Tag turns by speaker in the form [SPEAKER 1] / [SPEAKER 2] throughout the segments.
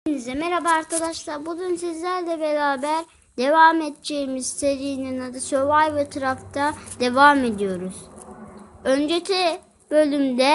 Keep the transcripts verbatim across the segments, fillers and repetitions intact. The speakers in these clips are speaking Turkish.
[SPEAKER 1] Hepinize merhaba arkadaşlar. Bugün sizlerle beraber devam edeceğimiz serinin adı Survivor Craft'ta devam ediyoruz. Önceki bölümde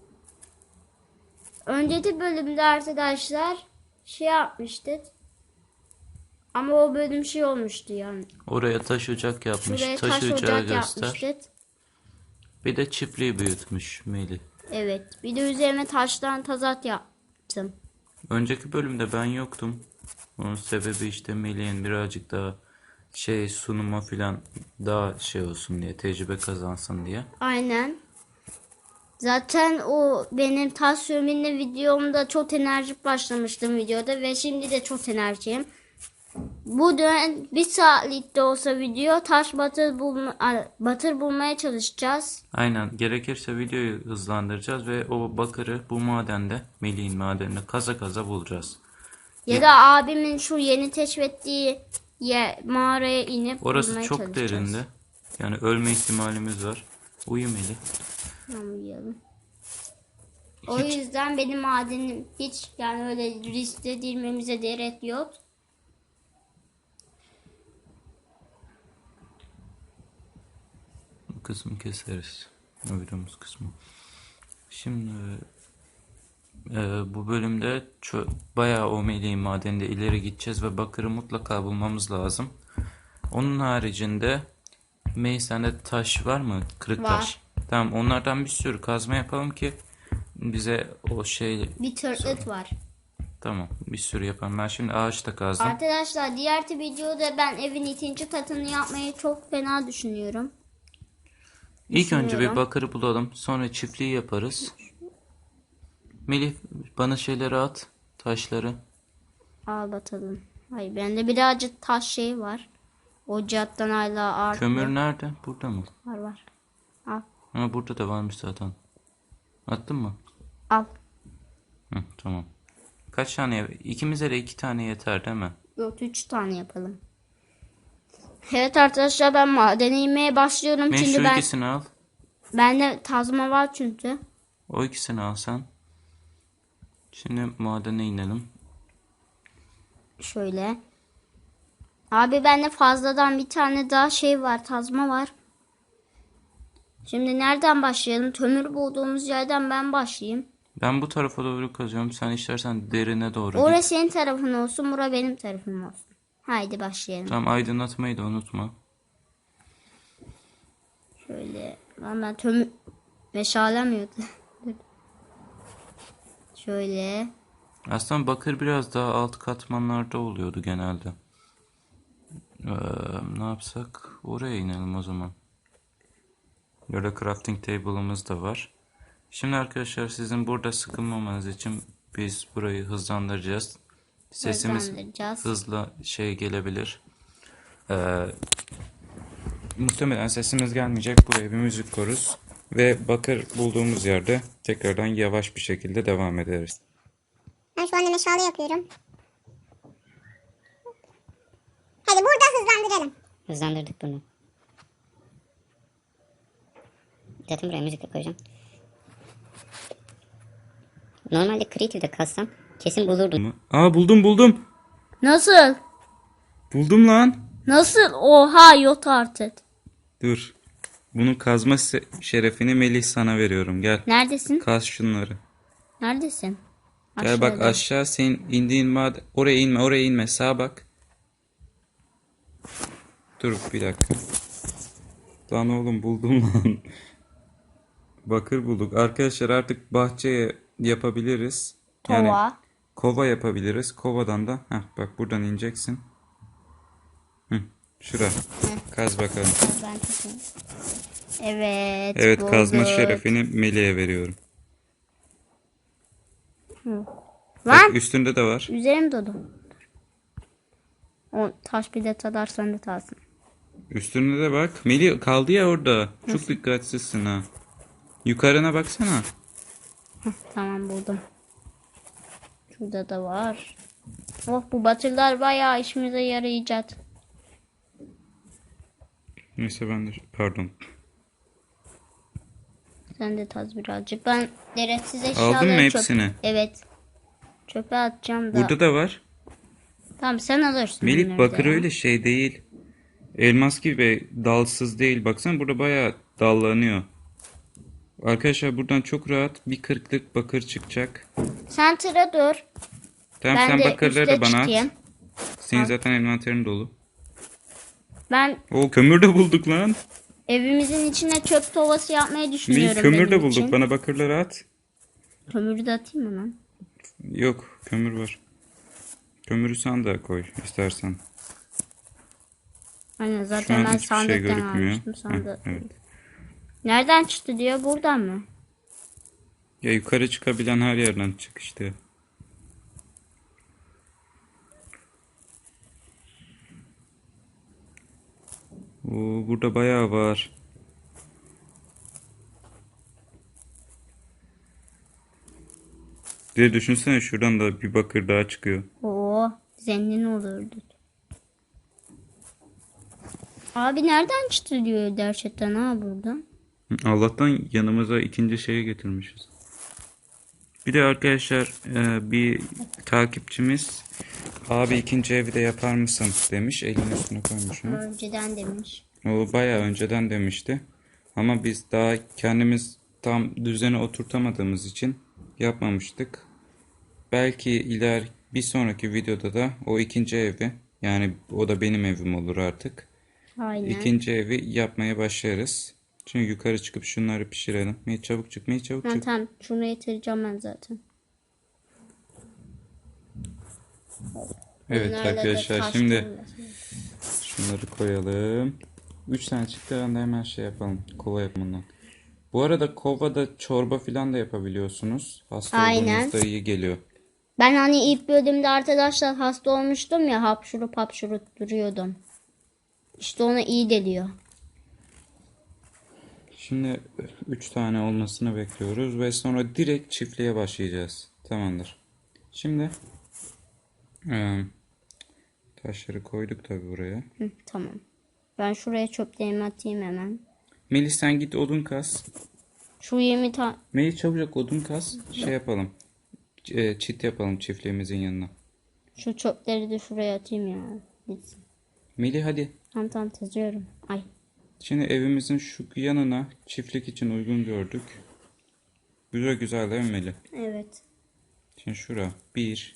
[SPEAKER 1] önceki bölümde arkadaşlar şey yapmıştık. Ama o bölüm şey olmuştu yani.
[SPEAKER 2] Oraya taş ocak yapmış.
[SPEAKER 1] Şuraya
[SPEAKER 2] taş,
[SPEAKER 1] taş
[SPEAKER 2] ocağı
[SPEAKER 1] ocak
[SPEAKER 2] göster.
[SPEAKER 1] yapmıştık.
[SPEAKER 2] Bir de çiftliği büyütmüş Melih.
[SPEAKER 1] Evet. Bir de üzerine taştan tazat yaptım.
[SPEAKER 2] Önceki bölümde ben yoktum. Onun sebebi işte Melih'in birazcık daha şey sunuma filan daha şey olsun diye, tecrübe kazansın diye.
[SPEAKER 1] Aynen. Zaten o benim taş sürümünde videomda çok enerjik başlamıştım videoda ve şimdi de çok enerjiyim. Bu dönem bir saatlik de olsa video taş batır, bulma, batır bulmaya çalışacağız.
[SPEAKER 2] Aynen, gerekirse videoyu hızlandıracağız ve o bakırı bu madende, Melih'in madeninde kaza kaza bulacağız.
[SPEAKER 1] Ya da abimin şu yeni keşfettiği yer, mağaraya inip
[SPEAKER 2] Orası
[SPEAKER 1] bulmaya
[SPEAKER 2] çok
[SPEAKER 1] çalışacağız.
[SPEAKER 2] derinde. Yani ölme ihtimalimiz var. Uyu Melih.
[SPEAKER 1] Tamam, uyuyalım. O yüzden benim madenim hiç yani öyle riske girmemize gerek yok.
[SPEAKER 2] Bu kısmı keseriz. Uyuduğumuz kısmı. Şimdi e, bu bölümde çö- bayağı o Melih'in madeninde ileri gideceğiz ve bakırı mutlaka bulmamız lazım. Onun haricinde Melih, sende taş var mı? Kırık
[SPEAKER 1] Var.
[SPEAKER 2] taş. Tamam, onlardan bir sürü kazma yapalım ki bize o şey...
[SPEAKER 1] Bir tırtıt var.
[SPEAKER 2] Tamam, bir sürü yapalım. Ben şimdi ağaçta kazdım.
[SPEAKER 1] Arkadaşlar diğer videoda ben evin ikinci katını yapmayı çok fena düşünüyorum.
[SPEAKER 2] İlk önce bir
[SPEAKER 1] Düşünüyorum.
[SPEAKER 2] bakırı bulalım. Sonra çiftliği yaparız. Melih, bana şeyleri at. Taşları.
[SPEAKER 1] Al bakalım. Hayır, bende birazcık taş şey var. Ocaktan hala artıyor.
[SPEAKER 2] Kömür nerede? Burada mı?
[SPEAKER 1] Var var. Al.
[SPEAKER 2] Ama burada da varmış zaten. Attın mı?
[SPEAKER 1] Al.
[SPEAKER 2] Hı, tamam. Kaç tane? İkimize de iki tane yeter değil mi?
[SPEAKER 1] Yok, üç tane yapalım. Evet arkadaşlar, ben madene inmeye başlıyorum.
[SPEAKER 2] Ben
[SPEAKER 1] Çünkü
[SPEAKER 2] şu
[SPEAKER 1] ben
[SPEAKER 2] ikisini al.
[SPEAKER 1] bende tazma var çünkü.
[SPEAKER 2] O ikisini al sen. Şimdi madene inelim.
[SPEAKER 1] Şöyle. Abi bende fazladan bir tane daha şey var. Tazma var. Şimdi nereden başlayalım? Kömür bulduğumuz yerden ben başlayayım.
[SPEAKER 2] Ben bu tarafa doğru kazıyorum. Sen istersen derine doğru
[SPEAKER 1] Orası
[SPEAKER 2] git.
[SPEAKER 1] senin tarafın olsun. Bura benim tarafım olsun. Haydi başlayalım.
[SPEAKER 2] Tamam, aydınlatmayı da unutma.
[SPEAKER 1] Şöyle. Lan ben kömür meşalemiyordu. Şöyle.
[SPEAKER 2] Aslında bakır biraz daha alt katmanlarda oluyordu genelde. Ee, ne yapsak? Oraya inelim o zaman. Böyle crafting table'ımız da var. Şimdi arkadaşlar, sizin burada sıkılmamanız için biz burayı hızlandıracağız. Sesimiz
[SPEAKER 1] Hızlandıracağız.
[SPEAKER 2] hızla şey gelebilir. Ee, muhtemelen sesimiz gelmeyecek. Buraya bir müzik koruz. Ve bakır bulduğumuz yerde tekrardan yavaş bir şekilde devam ederiz.
[SPEAKER 3] Ben şu anda meşale yapıyorum. Hadi burada hızlandıralım.
[SPEAKER 4] Hızlandırdık bunu. Zaten buraya müzik de koyacağım. Normalde Creative'de kazsam kesin bulurdum.
[SPEAKER 2] Aa, buldum buldum.
[SPEAKER 1] Nasıl?
[SPEAKER 2] Buldum lan.
[SPEAKER 1] Nasıl? Oha, yok artık.
[SPEAKER 2] Dur. Bunun kazma se- şerefini Melih sana veriyorum. Gel.
[SPEAKER 1] Neredesin?
[SPEAKER 2] Kaz şunları.
[SPEAKER 1] Neredesin?
[SPEAKER 2] Gel bak
[SPEAKER 1] Aşağıda.
[SPEAKER 2] aşağı, senin indiğin maden. Oraya inme, oraya inme. Sağa bak. Dur bir dakika. Lan oğlum, buldum lan. Bakır bulduk. Arkadaşlar artık bahçeye yapabiliriz. Yani
[SPEAKER 1] Tova.
[SPEAKER 2] kova yapabiliriz. Kovadan da heh, bak buradan ineceksin. Hı, şura. Kaz bakalım.
[SPEAKER 1] Ben tutayım. Evet.
[SPEAKER 2] Evet, kazma
[SPEAKER 1] bulduk.
[SPEAKER 2] şerefini Melih'e veriyorum.
[SPEAKER 1] Lan
[SPEAKER 2] Bak üstünde de var.
[SPEAKER 1] üzerim dolu. O taş bir de tadarsan da tarsın.
[SPEAKER 2] Üstünde de bak. Melih kaldı ya orada. Çok dikkatsizsin ha. Yukarına baksana.
[SPEAKER 1] Tamam, buldum. Şurada da var. Oh, bu batırlar bayağı işimize yarayacak.
[SPEAKER 2] Neyse ben de pardon.
[SPEAKER 1] Sen de taz birazcık. Ben gereksiz
[SPEAKER 2] Aldın
[SPEAKER 1] eşyaları
[SPEAKER 2] mı
[SPEAKER 1] çok...
[SPEAKER 2] hepsini?
[SPEAKER 1] Evet. Çöpe atacağım da.
[SPEAKER 2] Burada da var.
[SPEAKER 1] Tamam sen alırsın.
[SPEAKER 2] Melih
[SPEAKER 1] bunları
[SPEAKER 2] bakır
[SPEAKER 1] da ya.
[SPEAKER 2] öyle şey değil. Elmas gibi dalsız değil. Baksana burada bayağı dallanıyor. Arkadaşlar buradan çok rahat bir kırklık bakır çıkacak.
[SPEAKER 1] Sen tıra dur.
[SPEAKER 2] Tamam
[SPEAKER 1] Ben
[SPEAKER 2] sen
[SPEAKER 1] de
[SPEAKER 2] bakırları
[SPEAKER 1] üste
[SPEAKER 2] da bana
[SPEAKER 1] çıkayım.
[SPEAKER 2] at. Senin zaten envanterin dolu.
[SPEAKER 1] Ben
[SPEAKER 2] O kömür de bulduk lan.
[SPEAKER 1] evimizin içine çöp tovası yapmayı düşünüyorum.
[SPEAKER 2] Melih kömür de
[SPEAKER 1] benim
[SPEAKER 2] bulduk.
[SPEAKER 1] için.
[SPEAKER 2] Bana bakırları at.
[SPEAKER 1] Kömürü de atayım mı lan?
[SPEAKER 2] Yok kömür var. Kömürü sen de koy istersen.
[SPEAKER 1] Aynen
[SPEAKER 2] Şu
[SPEAKER 1] zaten
[SPEAKER 2] an
[SPEAKER 1] ben
[SPEAKER 2] hiçbir şey
[SPEAKER 1] sandıktan
[SPEAKER 2] görükmüyor.
[SPEAKER 1] almıştım. Sandık.
[SPEAKER 2] Heh, evet.
[SPEAKER 1] Nereden çıktı diyor, buradan mı?
[SPEAKER 2] Ya yukarı çıkabilen her yerden çık işte. Oo, burada bayağı var. Bir de düşünsene şuradan da bir bakır daha çıkıyor.
[SPEAKER 1] Oo, zengin olurduk. Abi nereden çıktı diyor gerçekten ha buradan.
[SPEAKER 2] Allah'tan yanımıza ikinci şeyi getirmişiz. Bir de arkadaşlar e, bir takipçimiz abi ikinci evi de yapar mısın demiş. Elinin üstüne koymuşum.
[SPEAKER 1] Önceden demiş.
[SPEAKER 2] O bayağı önceden demişti. Ama biz daha kendimiz tam düzene oturtamadığımız için yapmamıştık. Belki iler bir sonraki videoda da o ikinci evi, yani o da benim evim olur artık.
[SPEAKER 1] Aynen.
[SPEAKER 2] İkinci evi yapmaya başlarız. Şimdi yukarı çıkıp şunları pişirelim. Mey çabuk çık, Mey çabuk
[SPEAKER 1] Ben
[SPEAKER 2] çık.
[SPEAKER 1] tamam şunu getireceğim ben zaten.
[SPEAKER 2] Evet
[SPEAKER 1] Bunlarla da
[SPEAKER 2] arkadaşlar
[SPEAKER 1] taş
[SPEAKER 2] şimdi
[SPEAKER 1] koyuyorsun.
[SPEAKER 2] şunları koyalım. üç tane çıktı anda hemen şey yapalım. Kova yapımından. Bu arada kovada çorba falan da yapabiliyorsunuz. Hasta
[SPEAKER 1] Aynen.
[SPEAKER 2] olduğunuzda iyi geliyor.
[SPEAKER 1] Ben hani ilk bölümde arkadaşlar hasta olmuştum ya, hapşurup hapşurup duruyordum. İşte ona iyi geliyor.
[SPEAKER 2] Şimdi üç tane olmasını bekliyoruz ve sonra direkt çiftliğe başlayacağız. Tamamdır. Şimdi e, taşları koyduk tabi buraya.
[SPEAKER 1] Hı, tamam. Ben şuraya çöplerimi atayım hemen.
[SPEAKER 2] Melis sen git odun kas.
[SPEAKER 1] Şu yirmi tane.
[SPEAKER 2] Melis çabucak odun kas. Şey yapalım. E, çit yapalım çiftliğimizin yanına.
[SPEAKER 1] Şu çöpleri de şuraya atayım ya. Gitsin.
[SPEAKER 2] Melih hadi.
[SPEAKER 1] Tamam tamam teziyorum. Ay.
[SPEAKER 2] Şimdi evimizin şu yanına çiftlik için uygun gördük. Güzel güzel değil mi Melih?
[SPEAKER 1] Evet.
[SPEAKER 2] Şimdi şura. Bir.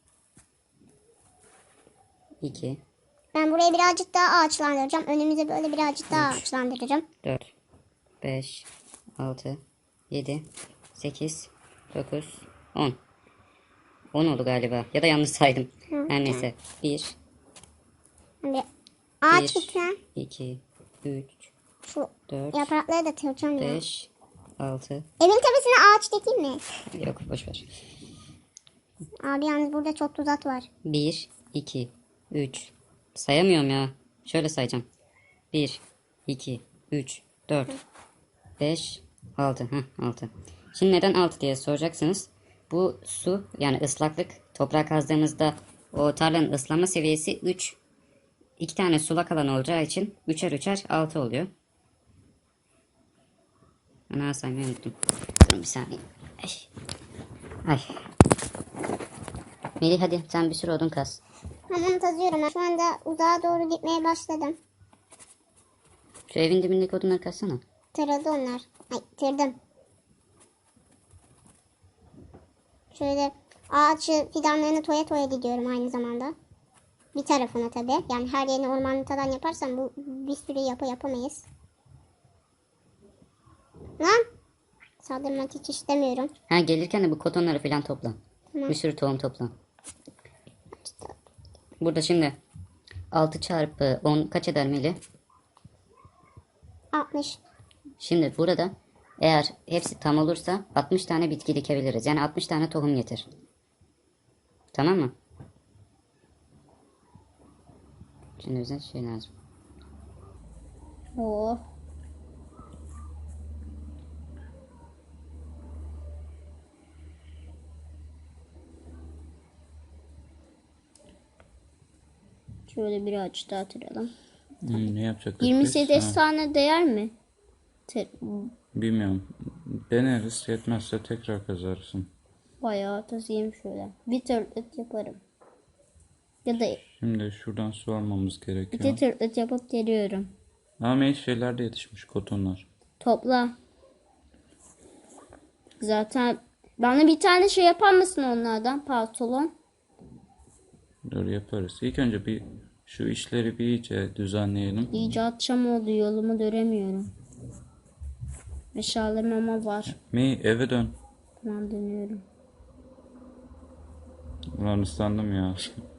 [SPEAKER 4] iki,
[SPEAKER 3] Ben burayı birazcık daha ağaçlandıracağım. Önümüze böyle birazcık daha ağaçlandıracağım.
[SPEAKER 4] dört, beş, altı, yedi, sekiz, dokuz, on. on oldu galiba. Ya da yanlış saydım. Her neyse. bir,
[SPEAKER 3] Şimdi ağaç
[SPEAKER 4] bir,
[SPEAKER 3] bitiren
[SPEAKER 4] iki, üç,
[SPEAKER 3] şu
[SPEAKER 4] dört,
[SPEAKER 3] yaprakları da kıracağım ya.
[SPEAKER 4] beş, altı.
[SPEAKER 3] Evin tepesine ağaç dikeyim mi?
[SPEAKER 4] Yok boşver.
[SPEAKER 3] Abi yalnız burada çok tuzak var.
[SPEAKER 4] bir, iki, üç. Sayamıyorum ya. Şöyle sayacağım. bir, iki, üç, dört, beş, altı. Heh, altı. Şimdi neden altı diye soracaksınız. Bu su yani ıslaklık toprağa kazdığımızda o tarlanın ıslanma seviyesi üç. iki tane sulak alan olacağı için üçer üçer altı oluyor. Ana saymayı unuttum. Durun bir saniye. Ay. Ay. Melih hadi sen bir sürü odun kaz.
[SPEAKER 3] Hemen tazıyorum. Şu anda uzağa doğru gitmeye başladım.
[SPEAKER 4] Şu evin dibindeki odunları kazsana.
[SPEAKER 3] Tırıldı onlar. Ay tırdım. Şöyle ağaç fidanlarını toya toya gidiyorum aynı zamanda. Bir tarafına tabi. Yani her yerini ormanlıktan yaparsam bu bir sürü yapı yapamayız. Lan! Saldırmak hiç istemiyorum.
[SPEAKER 4] Ha gelirken de bu kotonları falan topla.
[SPEAKER 3] Tamam.
[SPEAKER 4] Bir sürü tohum topla. Burada şimdi altı çarpı on kaç eder Melih?
[SPEAKER 3] altmış.
[SPEAKER 4] Şimdi burada eğer hepsi tam olursa altmış tane bitki dikebiliriz. Yani altmış tane tohum getir. Tamam mı? Şimdi bize şey lazım.
[SPEAKER 1] Oh. Şöyle bir ağaç daha atıralım.
[SPEAKER 2] Hmm, ne yapacaktık
[SPEAKER 1] yirmi
[SPEAKER 2] biz?
[SPEAKER 1] sekiz
[SPEAKER 2] Ha,
[SPEAKER 1] tane değer mi? Te-
[SPEAKER 2] bilmiyorum. Deneriz. Yetmezse tekrar kazarsın.
[SPEAKER 1] Bayağı tazıyım şöyle. Bir tırtık yaparım. Ya da
[SPEAKER 2] Şimdi şuradan su almamız
[SPEAKER 1] iki
[SPEAKER 2] gerekiyor.
[SPEAKER 1] tırtık yapıp geliyorum.
[SPEAKER 2] Ama şeyler de yetişmiş, kotonlar.
[SPEAKER 1] Topla. Zaten bana bir tane şey yapar mısın onlardan pantolon?
[SPEAKER 2] Dur yaparız. İlk önce bir şu işleri bir iyice düzenleyelim.
[SPEAKER 1] İyice akşam oldu, yolumu göremiyorum. Eşyalarım ama var.
[SPEAKER 2] Mi eve dön.
[SPEAKER 1] Tamam, dönüyorum.
[SPEAKER 2] Ulan ıslandım ya.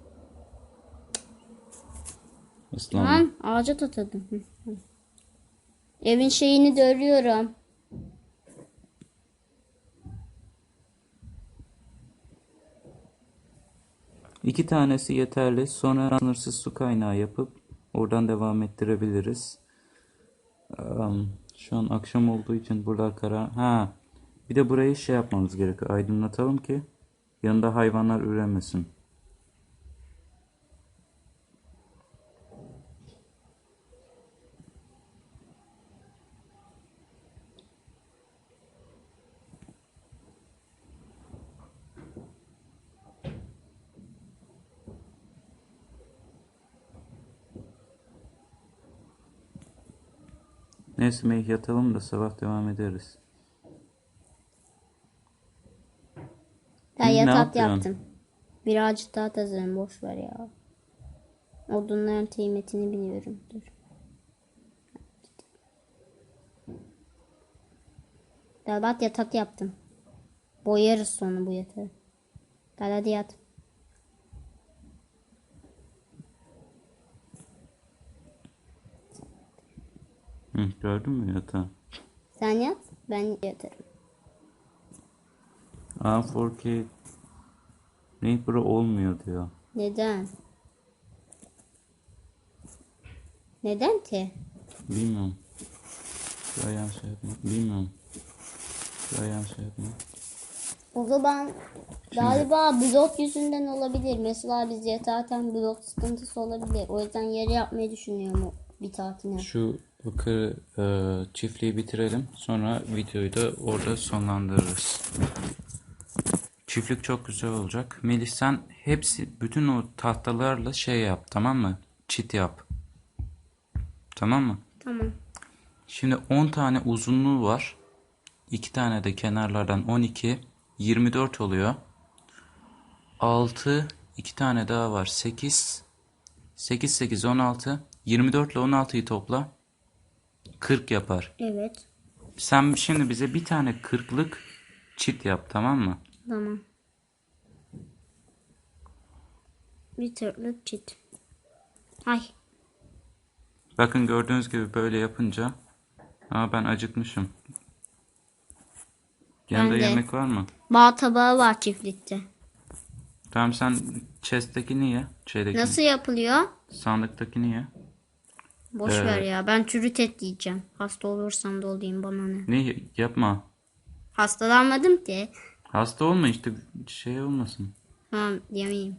[SPEAKER 2] Islandım.
[SPEAKER 1] Tamam, ağaca tatladım. Hı, hı. Evin şeyini de örüyorum.
[SPEAKER 2] İki tanesi yeterli. Sonra sınırsız su kaynağı yapıp oradan devam ettirebiliriz. Am, şu an akşam olduğu için buralar kara. Ha. Bir de burayı şey yapmamız gerekiyor. Aydınlatalım ki yanında hayvanlar üremesin. Neyse Mey, yatalım da sabah devam ederiz.
[SPEAKER 1] Ben
[SPEAKER 2] Hı, ne
[SPEAKER 1] yatak
[SPEAKER 2] yapıyorsun?
[SPEAKER 1] yaptım. Birazcık daha tazarım, boş ver ya. Odunların kıymetini biliyorum. Dur. Dalbat yatak yaptım. Boyarız sonra bu yatağı. Gel hadi yat.
[SPEAKER 2] Hı, gördün mü yatağı?
[SPEAKER 1] Sen yat, ben yatarım.
[SPEAKER 2] A four K ne bura olmuyor diyor.
[SPEAKER 1] Neden? Neden ki?
[SPEAKER 2] Bilmiyorum. Şu ayağım şey yapma. Bilmiyorum. Şu ayağım şey yapma.
[SPEAKER 1] O zaman galiba blok yüzünden olabilir. Mesela biz yatarken blok sıkıntısı olabilir. O yüzden yeri yapmayı düşünüyorum o bir tatilde.
[SPEAKER 2] Şu bakır e, çiftliği bitirelim. Sonra videoyu da orada sonlandırırız. Çiftlik çok güzel olacak. Melih sen hepsi bütün o tahtalarla şey yap, tamam mı? Çit yap. Tamam mı?
[SPEAKER 1] Tamam.
[SPEAKER 2] Şimdi on tane uzunluğu var. iki tane de kenarlardan on iki. yirmi dört oluyor. altı. iki tane daha var. sekiz. sekiz, sekiz, on altı. yirmi dört ile on altıyı topla. kırk yapar.
[SPEAKER 1] Evet.
[SPEAKER 2] Sen şimdi bize bir tane kırklık çit yap, tamam mı?
[SPEAKER 1] Tamam. Bir tırtık çit. Ay.
[SPEAKER 2] Bakın gördüğünüz gibi böyle yapınca. Aa, ben acıkmışım. Yanında
[SPEAKER 1] Ben de.
[SPEAKER 2] yemek var mı?
[SPEAKER 1] Bal tabağı var çiftlikte.
[SPEAKER 2] Tamam sen chest'tekini ye. Şeydeki,
[SPEAKER 1] Nasıl yapılıyor?
[SPEAKER 2] sandıktakini ye.
[SPEAKER 1] Boş
[SPEAKER 2] Ee,
[SPEAKER 1] ver ya. Ben çürüt et yiyeceğim. Hasta olursam da olayım, bana ne.
[SPEAKER 2] Ne yapma.
[SPEAKER 1] Hastalanmadım ki.
[SPEAKER 2] Hasta olma işte, şey olmasın.
[SPEAKER 1] Tamam, yemeyeyim.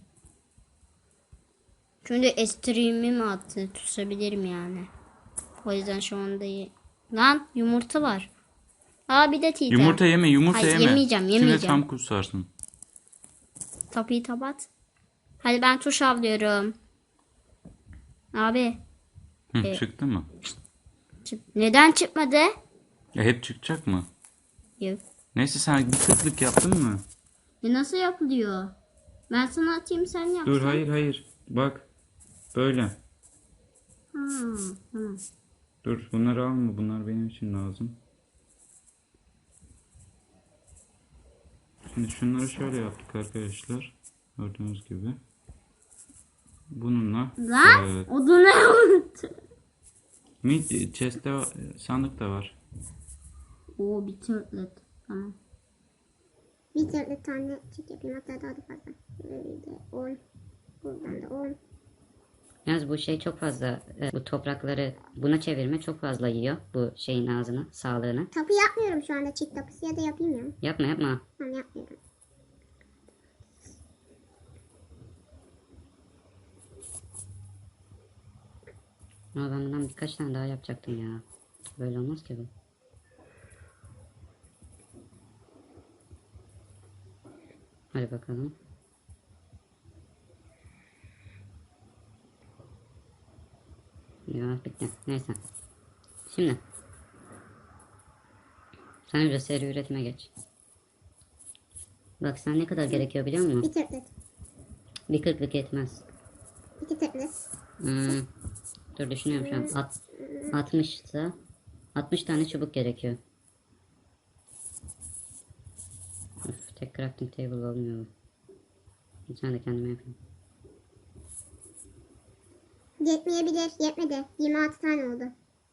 [SPEAKER 1] Şimdi estirimi mi attı? Tutabilirim yani. O yüzden şu anda ye- Lan yumurta var. Aa, bir de tita.
[SPEAKER 2] Yumurta yeme, yumurta
[SPEAKER 1] Hayır,
[SPEAKER 2] yeme.
[SPEAKER 1] yemeyeceğim,
[SPEAKER 2] Şimdi
[SPEAKER 1] yemeyeceğim.
[SPEAKER 2] tam kusarsın.
[SPEAKER 1] Tapıyı tabat. Hadi ben tuş avlıyorum. Abi.
[SPEAKER 2] Hı,
[SPEAKER 1] E-
[SPEAKER 2] çıktı mı?
[SPEAKER 1] çık- Neden çıkmadı?
[SPEAKER 2] Ya hep çıkacak mı?
[SPEAKER 1] Yok.
[SPEAKER 2] Neyse sen bir kırklık yaptın mı?
[SPEAKER 1] E nasıl yapılıyor? Ben sana atayım, sen yap.
[SPEAKER 2] Dur hayır hayır. Bak. Böyle.
[SPEAKER 1] Ha, tamam.
[SPEAKER 2] Dur bunları alma. Bunlar benim için lazım. Şimdi şunları şöyle yaptık arkadaşlar. Gördüğünüz gibi. Bununla
[SPEAKER 1] Lan
[SPEAKER 2] eee,
[SPEAKER 1] odunu unuttum.
[SPEAKER 2] mid chest'te var- sandık da var.
[SPEAKER 1] Oo, bir tırtlet. Tamam.
[SPEAKER 3] Bir tırtık tane çift yapayım, hatta daha da fazla. Böyle de on. Buradan da on.
[SPEAKER 4] Yalnız bu şey çok fazla, e, bu toprakları buna çevirme çok fazla yiyor bu şeyin ağzını, sağlığını.
[SPEAKER 3] Tapu yapmıyorum şu anda, çift tapusu, ya da yapayım ya.
[SPEAKER 4] Yapma yapma.
[SPEAKER 3] Tamam, yapmıyorum.
[SPEAKER 4] Ama ben bundan birkaç tane daha yapacaktım ya. Böyle olmaz ki bu. Hadi bakalım. Ya bitti. Neyse. Şimdi. Sen önce seri üretime geç. Bak sen ne kadar gerekiyor biliyor musun?
[SPEAKER 3] Bir tırtlık.
[SPEAKER 4] Bir kırklık yetmez.
[SPEAKER 3] İki tırtlık.
[SPEAKER 4] Hmm. Dur düşünüyorum şu an. At, altmış ise altmış tane çubuk gerekiyor. Üf, tek crafting table olmuyor. Bir tane de kendime yapayım.
[SPEAKER 3] Yetmeyebilir. Yetmedi. yirmi altı tane oldu.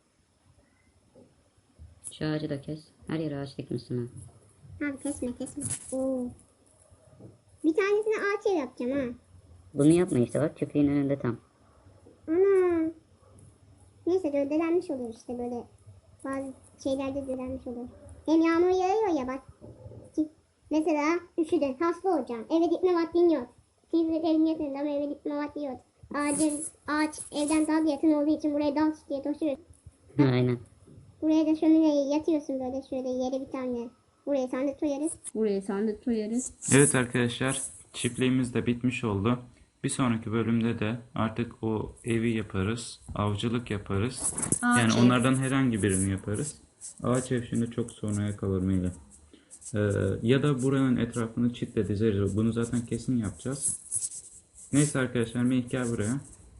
[SPEAKER 4] Şu ağacı da kes. Her yere ağaç dikmişsin ha.
[SPEAKER 3] Abi kesme kesme. Oo. Bir tanesine ağaç ev yapacağım ha.
[SPEAKER 4] Bunu yapma işte bak köpeğin önünde tam.
[SPEAKER 3] Ana. Neyse göldelenmiş olur işte böyle. Bazı şeylerde göldelenmiş olur. Hem yağmur yağıyor ya bak. Mesela üşüdün hasta olacaksın. Eve gitme vaktin yok. Tibrik evin yakınında ama eve gitme vaktin yok. Ağacın, ağaç evden daha yakın olduğu için buraya dal diye taşıyoruz.
[SPEAKER 4] Aynen.
[SPEAKER 3] Buraya da şömineye yatıyorsun böyle şöyle yere bir tane. Buraya sandık koyarız. Buraya sandık koyarız.
[SPEAKER 2] Evet arkadaşlar, çiftliğimiz de bitmiş oldu. Bir sonraki bölümde de artık o evi yaparız, avcılık yaparız. Yani
[SPEAKER 1] ev.
[SPEAKER 2] onlardan herhangi birini yaparız. Ağaç ev şimdi çok sonraya kalır Melih. Ee, ya da buranın etrafını çitle dizeriz. Bunu zaten kesin yapacağız. Neyse arkadaşlar, Melih gel buraya.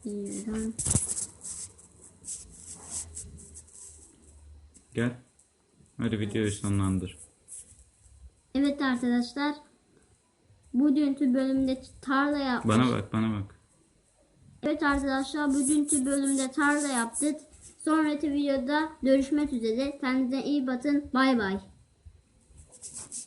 [SPEAKER 2] Gel. Hadi videoyu sonlandır.
[SPEAKER 1] Evet arkadaşlar. Bugünkü bölümde tarla yaptık.
[SPEAKER 2] Bana bak, bana bak.
[SPEAKER 1] Evet arkadaşlar bugünkü bölümde tarla yaptık. Sonraki videoda görüşmek üzere. Kendinize iyi bakın. Bay bay.